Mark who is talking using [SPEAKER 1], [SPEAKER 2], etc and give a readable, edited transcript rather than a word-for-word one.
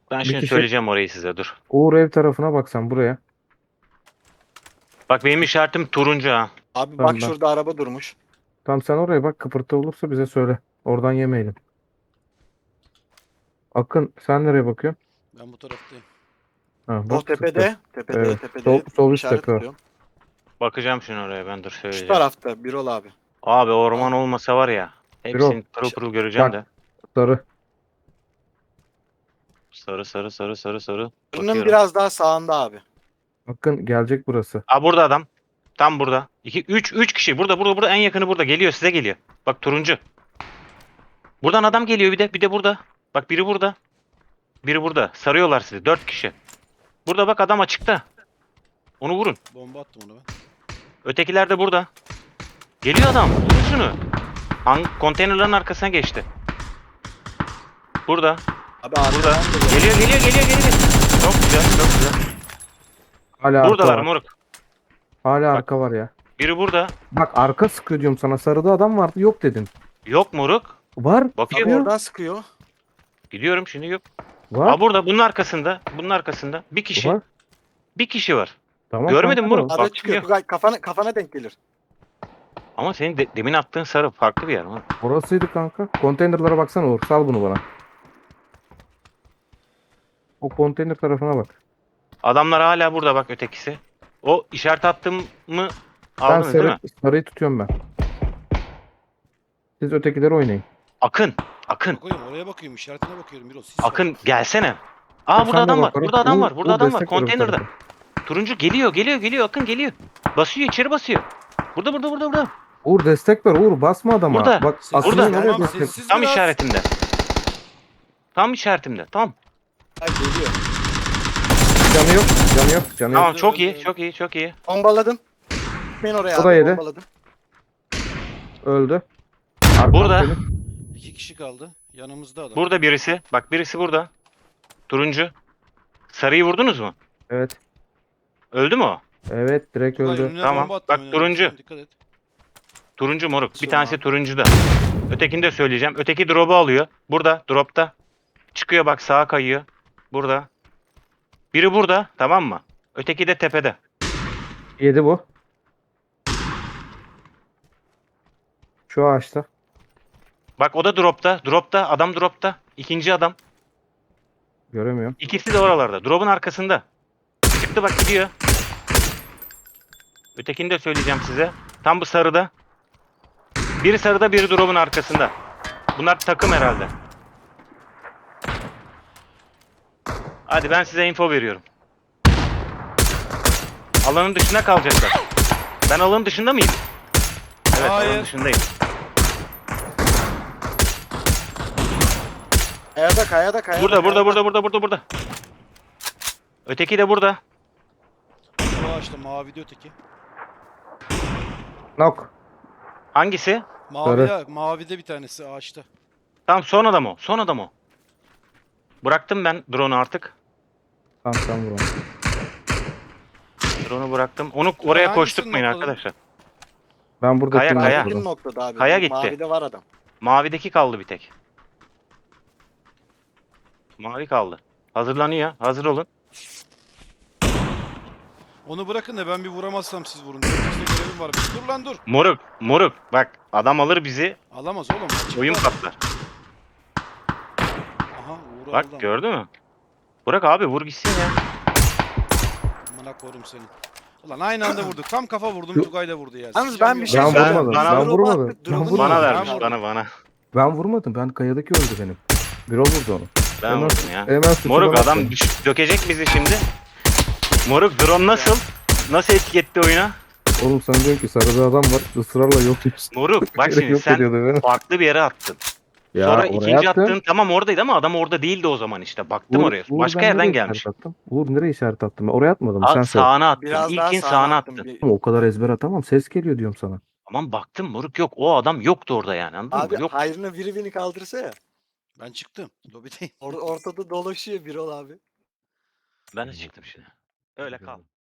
[SPEAKER 1] Ben
[SPEAKER 2] Bir
[SPEAKER 1] şimdi
[SPEAKER 2] kişi.
[SPEAKER 1] söyleyeceğim orayı size, dur.
[SPEAKER 2] Uğur ev tarafına bak sen buraya.
[SPEAKER 1] Bak benim işaretim turuncu ha.
[SPEAKER 3] Abi bak
[SPEAKER 2] Tamam ben.
[SPEAKER 3] şurada araba durmuş.
[SPEAKER 2] Tamam sen oraya bak, kıpırtı olursa bize söyle. Oradan yemeyelim. Akın sen nereye bakıyorsun?
[SPEAKER 4] Ben bu taraftayım.
[SPEAKER 2] Ha
[SPEAKER 3] O
[SPEAKER 2] bak sıktı.
[SPEAKER 3] tepede. Tepede.
[SPEAKER 2] Evet.
[SPEAKER 3] Tepede.
[SPEAKER 2] Sol üst
[SPEAKER 3] İşaret
[SPEAKER 2] tepe o.
[SPEAKER 3] tutuyorum.
[SPEAKER 1] Bakacağım şimdi oraya, ben dur
[SPEAKER 3] Şu
[SPEAKER 1] söyleyeceğim.
[SPEAKER 3] tarafta Birol abi.
[SPEAKER 1] Abi orman
[SPEAKER 4] Al.
[SPEAKER 1] olmasa var ya.
[SPEAKER 2] Birol
[SPEAKER 1] Hepsini pırıl pırıl göreceğim
[SPEAKER 2] bak
[SPEAKER 1] de.
[SPEAKER 2] sarı.
[SPEAKER 1] Sarı sarı sarı sarı sarı.
[SPEAKER 3] Bunun
[SPEAKER 1] Bakıyorum.
[SPEAKER 3] biraz daha sağında abi.
[SPEAKER 2] Akın gelecek burası.
[SPEAKER 1] Aa, burada adam. Tam burada. 3 kişi. Burada en yakını burada. Geliyor, size geliyor. Bak turuncu. Buradan adam geliyor bir de burada. Bak biri burada. Biri burada. Sarıyorlar sizi. 4 kişi. Burada bak adam açıkta. Onu vurun.
[SPEAKER 4] Bomba attım ona ben.
[SPEAKER 1] Ötekiler de burada. Geliyor adam. Vurun şunu. Konteynerların arkasına geçti. Burada.
[SPEAKER 3] Abi
[SPEAKER 1] Burada.
[SPEAKER 3] arkadan da
[SPEAKER 1] Geliyor. Çok güzel, çok güzel.
[SPEAKER 2] Hala arka
[SPEAKER 1] Buradalar
[SPEAKER 2] var.
[SPEAKER 1] moruk.
[SPEAKER 2] Hala
[SPEAKER 1] Bak.
[SPEAKER 2] arka var ya.
[SPEAKER 1] Biri burada.
[SPEAKER 2] Bak arka sıkıyor diyorum sana. Sarıda adam vardı yok dedin.
[SPEAKER 1] Yok moruk.
[SPEAKER 2] Var.
[SPEAKER 3] Abi
[SPEAKER 1] Bakıyor.
[SPEAKER 2] Sıkıyor.
[SPEAKER 3] oradan sıkıyor.
[SPEAKER 1] Gidiyorum şimdi, yok.
[SPEAKER 2] Var.
[SPEAKER 1] Aa, burada. Bunun arkasında. Bunun arkasında. Bir kişi.
[SPEAKER 2] Var.
[SPEAKER 1] Bir kişi var.
[SPEAKER 2] Tamam.
[SPEAKER 1] Görmedin
[SPEAKER 2] kanka da
[SPEAKER 1] moruk.
[SPEAKER 2] o.
[SPEAKER 3] Arada
[SPEAKER 1] Bak,
[SPEAKER 3] çıkıyor.
[SPEAKER 1] yok.
[SPEAKER 3] Tugay kafana denk gelir.
[SPEAKER 1] Ama senin demin attığın sarı farklı bir yer moruk.
[SPEAKER 2] Orasıydı kanka. Konteynerlara baksana Uğur. Sal bunu bana. O konteyner tarafına bak.
[SPEAKER 1] Adamlar hala burada bak, ötekisi. O işaret attığımı
[SPEAKER 2] Ben
[SPEAKER 1] aldınız değil mi?
[SPEAKER 2] sarıyı tutuyorum ben. Siz ötekileri oynayın.
[SPEAKER 1] Akın. Akın.
[SPEAKER 4] Bakıyorum oraya bakıyorum. İşaretine bakıyorum. Biraz sis
[SPEAKER 1] Akın
[SPEAKER 4] var.
[SPEAKER 1] gelsene. Aa,
[SPEAKER 2] Sen
[SPEAKER 1] burada
[SPEAKER 2] de
[SPEAKER 1] adam var.
[SPEAKER 2] bak oraya.
[SPEAKER 1] Burada adam
[SPEAKER 2] Uğur,
[SPEAKER 1] var. Burada
[SPEAKER 2] Uğur
[SPEAKER 1] adam var.
[SPEAKER 2] destek ver bu
[SPEAKER 1] Konteynerda.
[SPEAKER 2] tarafa.
[SPEAKER 1] Turuncu geliyor. Akın geliyor. Basıyor, içeri basıyor. Burada.
[SPEAKER 2] Uğur destek ver. Uğur basma adama.
[SPEAKER 1] Burada.
[SPEAKER 2] Bak
[SPEAKER 4] Sessiz
[SPEAKER 2] Akın'ın
[SPEAKER 1] Burada.
[SPEAKER 2] oraya
[SPEAKER 4] Tamam
[SPEAKER 2] destek.
[SPEAKER 4] sessiz
[SPEAKER 1] Tam
[SPEAKER 4] biraz.
[SPEAKER 1] işaretimde. Tam işaretimde. Tamam.
[SPEAKER 3] Ay geliyor.
[SPEAKER 2] Canı yok. Canı yok. Canı
[SPEAKER 1] Tamam,
[SPEAKER 2] yok.
[SPEAKER 1] çok
[SPEAKER 4] öldü,
[SPEAKER 1] iyi.
[SPEAKER 4] öldü.
[SPEAKER 1] Çok iyi.
[SPEAKER 3] Bombaladım. Ben oraya
[SPEAKER 2] O da
[SPEAKER 3] abi
[SPEAKER 2] yedi.
[SPEAKER 3] bombaladım.
[SPEAKER 2] Öldü. Arkam
[SPEAKER 1] Burada.
[SPEAKER 2] senin.
[SPEAKER 4] 2 kişi kaldı. Yanımızda adam.
[SPEAKER 1] Burada birisi. Bak birisi burada. Turuncu. Sarıyı vurdunuz mu?
[SPEAKER 2] Evet.
[SPEAKER 1] Öldü mü o?
[SPEAKER 2] Evet direkt
[SPEAKER 4] Tugay,
[SPEAKER 2] öldü.
[SPEAKER 4] önüne
[SPEAKER 1] Tamam.
[SPEAKER 4] bomba attım,
[SPEAKER 1] Bak,
[SPEAKER 4] önüne.
[SPEAKER 1] turuncu.
[SPEAKER 4] Sen dikkat et.
[SPEAKER 1] Turuncu moruk. Bir
[SPEAKER 3] Basıyorum
[SPEAKER 1] tanesi
[SPEAKER 3] abi.
[SPEAKER 1] turuncuda. Ötekini de söyleyeceğim. Öteki drop'u alıyor. Burada. Drop'ta. Çıkıyor bak, sağa kayıyor. Burada. Biri burada. Tamam mı? Öteki de tepede.
[SPEAKER 2] Yedi bu. Şu ağaçta.
[SPEAKER 1] Bak o da drop'ta. Adam drop'ta. İkinci adam.
[SPEAKER 2] Göremiyorum.
[SPEAKER 1] İkisi de oralarda. Drop'un arkasında. Çıktı bak, gidiyor. Ötekini de söyleyeceğim size. Tam bu sarıda. Biri sarıda, biri drop'un arkasında. Bunlar takım herhalde. Hadi ben size info veriyorum. Alanın dışında kalacaklar. Ben alanın dışında mıyım? Evet, alanın
[SPEAKER 4] Hayır.
[SPEAKER 1] dışındayım.
[SPEAKER 3] Kayada.
[SPEAKER 1] Burada. Öteki de burada.
[SPEAKER 4] Şu ağaçta mavide öteki.
[SPEAKER 2] Nok.
[SPEAKER 1] Hangisi?
[SPEAKER 4] Mavide bir tanesi ağaçta.
[SPEAKER 1] Tamam, son adam o. Bıraktım ben drone'u artık.
[SPEAKER 2] Tamam sen vur onu.
[SPEAKER 1] Drone'u bıraktım. Onu oraya
[SPEAKER 4] hangisini
[SPEAKER 1] koşturtmayın
[SPEAKER 4] noktaladın?
[SPEAKER 1] arkadaşlar.
[SPEAKER 2] Ben burada
[SPEAKER 1] Kaya,
[SPEAKER 2] kim
[SPEAKER 1] kaya.
[SPEAKER 2] vurdum?
[SPEAKER 3] Bir noktada abi.
[SPEAKER 1] Kaya
[SPEAKER 3] Bu
[SPEAKER 1] gitti.
[SPEAKER 3] Mavide var adam.
[SPEAKER 1] Mavideki kaldı bir tek. Mavi kaldı. Hazırlanıyor. Hazır olun.
[SPEAKER 4] Onu bırakın da ben bir vuramazsam siz vurun. İşte görevim var. Dur lan dur.
[SPEAKER 1] Moruk. Bak adam alır bizi.
[SPEAKER 4] Alamaz oğlum. Açıkta.
[SPEAKER 1] Oyun patlar.
[SPEAKER 4] Aha Uğur
[SPEAKER 1] Bak
[SPEAKER 4] aldı ama.
[SPEAKER 1] gördün mü? Bırak abi, vur gitsin ya.
[SPEAKER 4] Amına korum seni. Ulan aynı anda vurduk. Tam kafa vurdum.
[SPEAKER 2] Yok.
[SPEAKER 4] Tugay da vurdu ya.
[SPEAKER 3] Yalnız ben bir şey
[SPEAKER 2] Ben
[SPEAKER 3] söyleyeyim.
[SPEAKER 2] vurmadım.
[SPEAKER 1] Bana-
[SPEAKER 2] Ben vurmadım. Ben
[SPEAKER 3] Drop'u
[SPEAKER 2] vurmadım.
[SPEAKER 1] Bana
[SPEAKER 4] Ben
[SPEAKER 1] vermiş,
[SPEAKER 4] vurdum.
[SPEAKER 1] bana.
[SPEAKER 2] Ben vurmadım. Ben kayadaki öldü benim. Birol vurdu onu.
[SPEAKER 1] Ben
[SPEAKER 2] Hemen-
[SPEAKER 1] vurdum ya.
[SPEAKER 2] Hemen suçu
[SPEAKER 1] Moruk
[SPEAKER 2] bana
[SPEAKER 1] adam
[SPEAKER 2] attı.
[SPEAKER 1] dökecek bizi şimdi. Moruk drone nasıl? Nasıl etiketti oyuna?
[SPEAKER 2] Oğlum sana diyorum ki sarıda adam var. Israrla yok diyorsun.
[SPEAKER 1] Moruk bak şimdi
[SPEAKER 2] Yok
[SPEAKER 1] sen
[SPEAKER 2] ediyordu beni.
[SPEAKER 1] farklı bir yere attın.
[SPEAKER 2] Ya
[SPEAKER 1] Sonra
[SPEAKER 2] oraya
[SPEAKER 1] ikinci
[SPEAKER 2] attım.
[SPEAKER 1] attığın tamam oradaydı ama adam orada değildi o zaman işte. Baktım oraya. Başka
[SPEAKER 2] ben
[SPEAKER 1] yerden
[SPEAKER 2] nereye
[SPEAKER 1] gelmiş.
[SPEAKER 2] işaret attım? Uğur nereye işaret attım? Ben oraya atmadım. Sen söyle.
[SPEAKER 1] Sağına attın.
[SPEAKER 3] Biraz daha
[SPEAKER 1] İlkin
[SPEAKER 3] sağına
[SPEAKER 1] sağına
[SPEAKER 3] attım.
[SPEAKER 1] attın.
[SPEAKER 2] Ama o kadar ezber atamam. Ses geliyor diyorum sana.
[SPEAKER 1] Aman baktım moruk, yok. O adam yoktu orada yani, anladın
[SPEAKER 3] Abi
[SPEAKER 1] mı? Yok.
[SPEAKER 3] hayrına biri kaldırsa ya.
[SPEAKER 4] Ben çıktım. Lobideyim.
[SPEAKER 3] Ortada dolaşıyor Birol abi.
[SPEAKER 1] Ben de çıktım şimdi. Öyle kal.